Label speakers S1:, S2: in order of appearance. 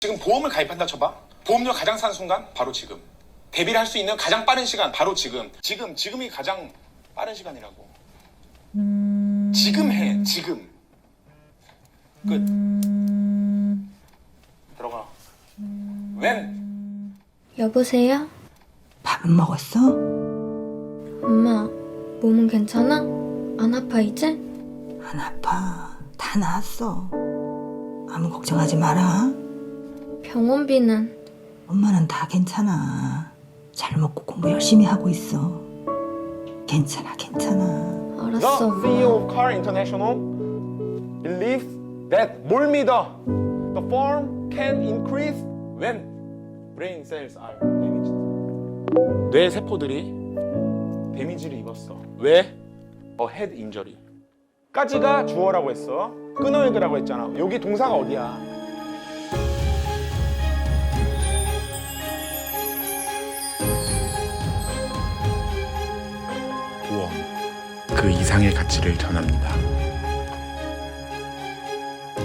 S1: 지금 보험을 가입한다 쳐봐. 보험료 가장 싼 순간 바로 지금. 대비를 할 수 있는 가장 빠른 시간 바로 지금. 지금이 가장 빠른 시간이라고. 지금 해. 지금. 끝. 들어가. When?
S2: 여보세요?
S3: 밥은 먹었어?
S2: 엄마, 몸은 괜찮아? 안 아파 이제?
S3: 안 아파. 다 나았어. 아무 걱정하지 마라.
S2: 병원비는?
S3: 엄마는 다 괜찮아. 잘 먹고 공부 열심히 하고 있어. 괜찮아, 괜찮아.
S2: 알았어,
S1: The
S2: 엄마.
S1: CEO of Car International believes that 뭘 믿어? The firm can increase when brain cells are damaged. 뇌 세포들이 데미지를 입었어. 왜? A head injury. 까지가 주어라고 했어. 끊어액이라고 했잖아. 여기 동사가 어디야? 보험. 그 이상의 가치를 전합니다.